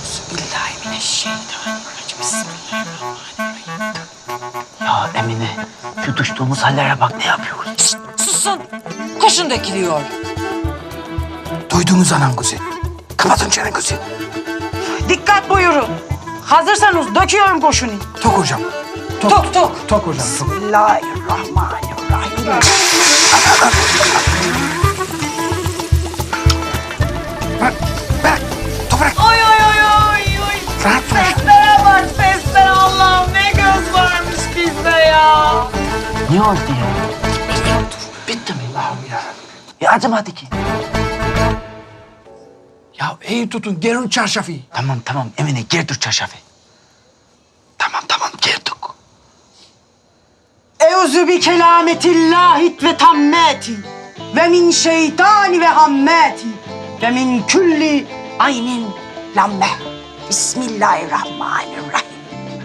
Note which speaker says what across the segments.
Speaker 1: Bismillahirrahmanirrahim. Bismillahirrahmanirrahim.
Speaker 2: Ya Emine, şu düştüğümüz hallere bak, ne yapıyoruz?
Speaker 1: Susun. Koşun dökülüyor.
Speaker 3: Duydunuz anam kuzi. Kapatın çenenizi.
Speaker 4: Dikkat buyurun. Hazırsanız döküyorum kurşunu.
Speaker 3: Tok hocam.
Speaker 4: Tok tok.
Speaker 3: Tok hocam.
Speaker 4: Bismillahirrahmanirrahim.
Speaker 3: Bırak. Toprak.
Speaker 4: Oy oy oy oy oy.
Speaker 3: Rahat bırak.
Speaker 4: Seslere bak sesler. Allah'ım ne göz varmış bizde ya.
Speaker 2: Ne oldu ya? Bitti mi?
Speaker 3: Allah'ım ya.
Speaker 2: Acımadı ki.
Speaker 3: Ya iyi tutun. Gerin çarşafı.
Speaker 2: Tamam Emine, girdir çarşafı.
Speaker 3: Tamam girdik.
Speaker 4: Euzu bi kelametillahi ve tammati ve min şeytani ve hammati ve min külli aynin lamme. Bismillahirrahmanirrahim.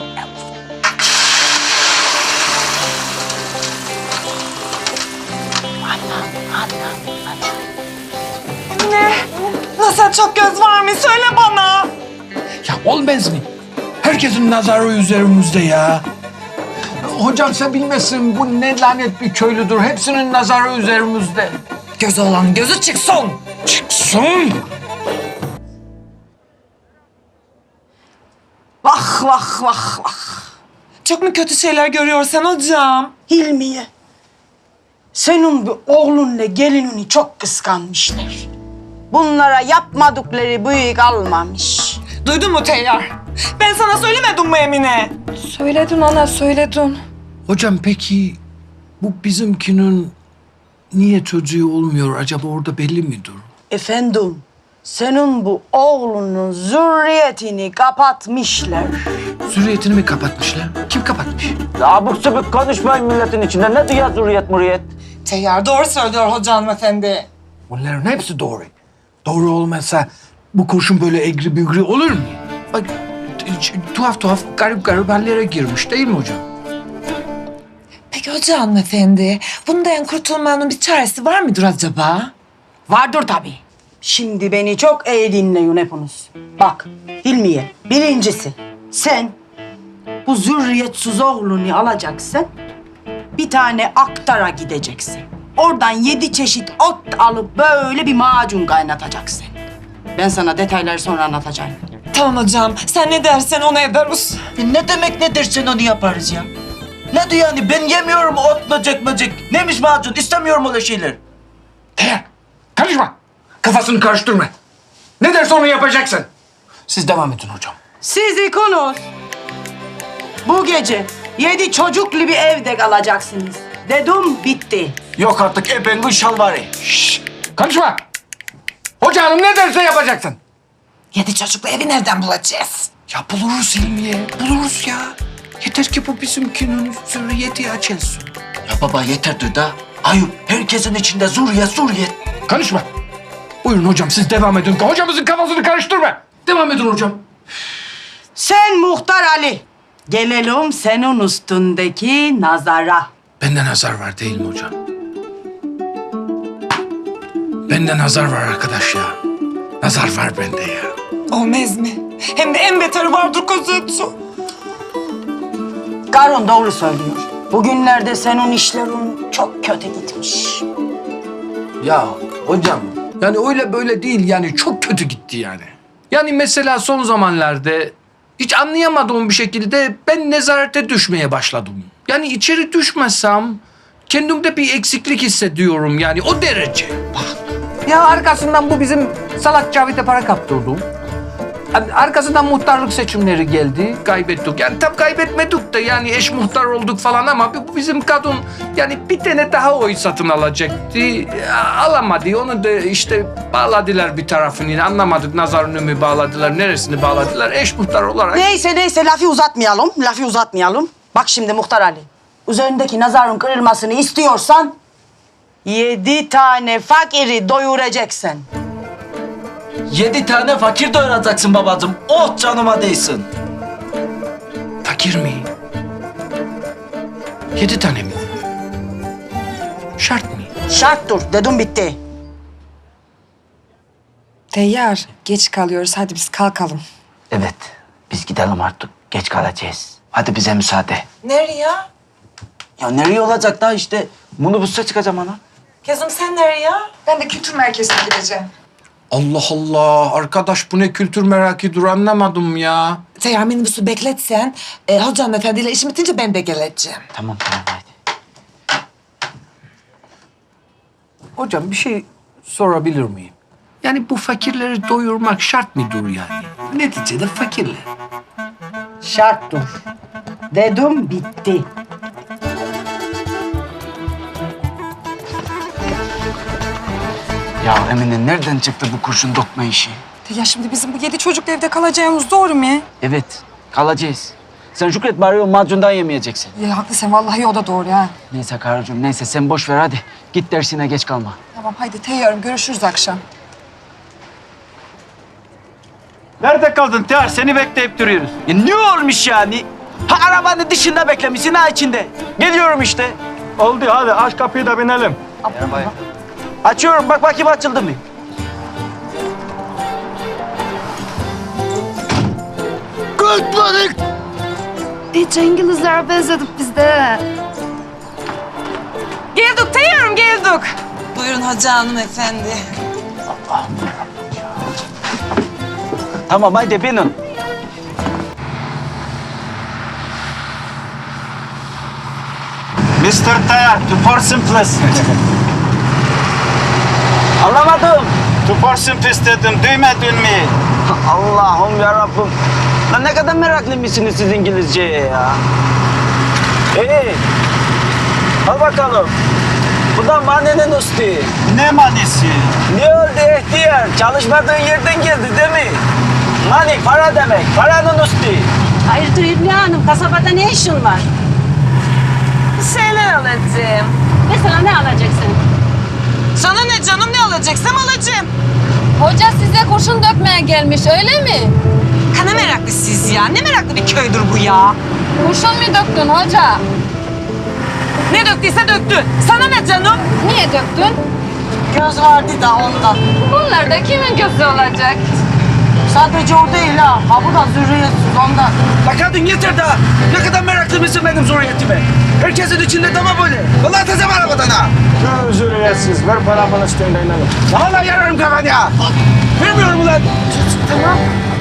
Speaker 1: Ne? Nasıl çok göz var mı? Söyle bana.
Speaker 3: Ya olmaz mı? Herkesin nazarı üzerimizde ya. Hocam sen bilmezsin, bu ne lanet bir köylüdür. Hepsinin nazarı üzerimizde.
Speaker 1: Gözü olan gözü çıksın.
Speaker 3: Çıksın.
Speaker 4: Vah vah vah vah.
Speaker 1: Çok mu kötü şeyler görüyorsun hocam?
Speaker 4: Hilmiye, senin bu oğlunla gelinini çok kıskanmışlar. Bunlara yapmadıkları büyük almamış.
Speaker 1: Duydun mu Teyyar? Ben sana söylemedim mi Emine?
Speaker 5: Söyledin ana, söyledin.
Speaker 3: Hocam peki bu bizimkinin niye çocuğu olmuyor acaba, orada belli midir?
Speaker 4: Efendim, senin bu oğlunun zürriyetini kapatmışlar.
Speaker 3: Zürriyetini mi kapatmışlar? Kim kapatmış?
Speaker 2: Abuk subuk konuşmayın milletin içinde. Ne diyor zürriyet muriyet?
Speaker 1: Teyyar doğru söylüyor hoca hanımefendi.
Speaker 3: Bunların hepsi doğru. Doğru olmazsa bu kurşun böyle egri bügri olur mu? Bak tuhaf garip hallere girmiş değil mi hocam?
Speaker 1: Peki hoca hanımefendi, bundan kurtulmanın bir çaresi var mıdır acaba?
Speaker 4: Vardır tabii. Şimdi beni çok iyi dinleyin hepiniz. Bak Hilmiye, birincisi sen bu zürriyetsiz oğlunu alacaksın. Bir tane aktara gideceksin. Oradan 7 çeşit ot alıp böyle bir macun kaynatacaksın. Ben sana detayları sonra anlatacağım.
Speaker 1: Tamam hocam, sen ne dersen onu ederiz.
Speaker 2: Ne demek ne dersen onu yaparız ya. Ne diyor yani, ben yemiyorum otlayacak böcek. Neymiş macun, istemiyorum öyle şeyler.
Speaker 3: Karışma. Kafasını karıştırma. Ne derse onu yapacaksın. Siz devam edin hocam.
Speaker 4: Siz ikonuz. Bu gece 7 çocuklu bir evde kalacaksınız. Dedim bitti.
Speaker 2: Yok artık epengun şalvarı.
Speaker 3: Şşş, konuşma. Hoca hanım ne derse yapacaksın.
Speaker 1: 7 çocuklu evi nereden bulacağız?
Speaker 3: Ya buluruz Hilmiye, buluruz ya. Yeter ki bu bizimkinin zürriyeti açılsın.
Speaker 2: Ya baba yeterdir da. Ayıp, herkesin içinde zürriyet.
Speaker 3: Konuşma. Buyurun hocam, siz devam edin. Hocamızın kafasını karıştırma. Devam edin hocam.
Speaker 4: Sen Muhtar Ali. Gelelim senin üstündeki nazara.
Speaker 3: Bende nazar var değil mi hocam? Bende nazar var arkadaş ya. Nazar var bende ya.
Speaker 1: Olmaz mı? Hem de en beteri vardır kızım.
Speaker 4: Karun doğru söylüyor. Bugünlerde senin işlerin çok kötü gitmiş.
Speaker 3: Ya hocam, yani öyle böyle değil, yani çok kötü gitti yani. Yani mesela son zamanlarda hiç anlayamadığım bir şekilde ben nezarete düşmeye başladım. Yani içeri düşmesem kendimde bir eksiklik hissediyorum, yani o derece. Ya arkasından bu bizim salak Cavit'e para kaptırdım. Yani arkasından muhtarlık seçimleri geldi, kaybettik. Yani tam kaybetmedik de yani eş muhtar olduk falan ama bu bizim kadın yani bir tane daha oy satın alacaktı. Alamadı. Onu da işte bağladılar bir tarafını. Anlamadık, nazarını mı bağladılar, neresini bağladılar. Eş muhtar olarak.
Speaker 4: Neyse lafı uzatmayalım. Bak şimdi Muhtar Ali. Üzerindeki nazarın kırılmasını istiyorsan 7 tane fakiri doyuracaksın.
Speaker 2: 7 tane fakir doyuracaksın babacığım. Oh canıma değsin.
Speaker 3: Fakir mi? 7 tane mi? Şart mı?
Speaker 4: Şarttır dedim bitti.
Speaker 5: Teyyar, geç kalıyoruz. Hadi biz kalkalım.
Speaker 2: Evet, biz gidelim artık. Geç kalacağız. Hadi bize müsaade.
Speaker 1: Nereye?
Speaker 2: Ya nereye olacak da işte minibüse çıkacağım ana.
Speaker 1: Kızım sen nereye?
Speaker 5: Ben de kültür merkezine gideceğim.
Speaker 3: Allah Allah arkadaş bu ne kültür merakıdır anlamadım ya.
Speaker 1: Seyyar minibüsü bekletsen, hoca hanımefendiyle işim bitince ben de geleceğim.
Speaker 2: Tamam haydi.
Speaker 3: Hocam bir şey sorabilir miyim? Yani bu fakirleri doyurmak şart mıdır yani? Neticede fakirler.
Speaker 4: Şarttır. Dedim bitti.
Speaker 2: Ya Emine nereden çıktı bu kurşun dokma işi?
Speaker 5: Ya şimdi bizim bu 7 çocukla evde kalacağımız doğru mu?
Speaker 2: Evet, kalacağız. Sen Şükret bari o macundan yemeyeceksin.
Speaker 5: Ya haklısın vallahi o da doğru ha.
Speaker 2: Neyse Karıcığım neyse sen boş ver hadi. Git dersine geç kalma.
Speaker 5: Tamam haydi teyyarım görüşürüz akşam.
Speaker 6: Nerede kaldın Tihar? Seni bekleyip duruyoruz.
Speaker 2: Ya ne olmuş yani? Ha arabanın dışında beklemişsin ha içinde. Geliyorum işte.
Speaker 6: Oldu hadi aç kapıyı da binelim.
Speaker 2: Açıyorum bak bakayım açıldı mı?
Speaker 7: Hiç İngilizlere benzedik biz de.
Speaker 5: Geldik teyyarım geldik.
Speaker 1: Buyurun hoca hanımefendi.
Speaker 2: Tamam haydi binin.
Speaker 6: Mr. Tihar, to for simplest.
Speaker 2: Anlamadım.
Speaker 6: To for simplest dedim, duymadın mı?
Speaker 2: Allah'ım yarabbim. Lan ne kadar meraklı mısınız siz İngilizceye ya? İyi. Al bakalım. Bu da manenin üstü.
Speaker 6: Ne manisi?
Speaker 2: Ne oldu ihtiyar? Çalışmadığın yerden geldi değil mi? Money para demek. Paranın üstü.
Speaker 8: Hayırdır Hülya Hanım, kasabada ne işin var?
Speaker 1: Bir şeyler alacağım.
Speaker 8: Mesela ne alacaksın?
Speaker 1: Sana ne canım, ne alacaksam alacağım.
Speaker 7: Hoca size kurşun dökmeye gelmiş öyle mi?
Speaker 1: Kana meraklı siz ya. Ne meraklı bir köydür bu ya.
Speaker 7: Kurşun mu döktün hoca?
Speaker 1: Ne döktüyse döktü. Sana ne canım?
Speaker 7: Niye döktün?
Speaker 4: Göz vardı da ondan.
Speaker 7: Bunlar da kimin gözü olacak?
Speaker 4: Sadece o değil ha. Ha bu da zürriyetsiz ondan.
Speaker 2: La kadın yeter daha. Ne kadar meraklı mısın benim zurriyetime? Herkesin içinde dama böyle. Vallahi tezem arabadan ha.
Speaker 6: Üzülüyorsunuz, ver paramın üstünde inelim.
Speaker 2: Vallahi yararım kafanı ya. Vermiyorum ulan.
Speaker 7: Tamam.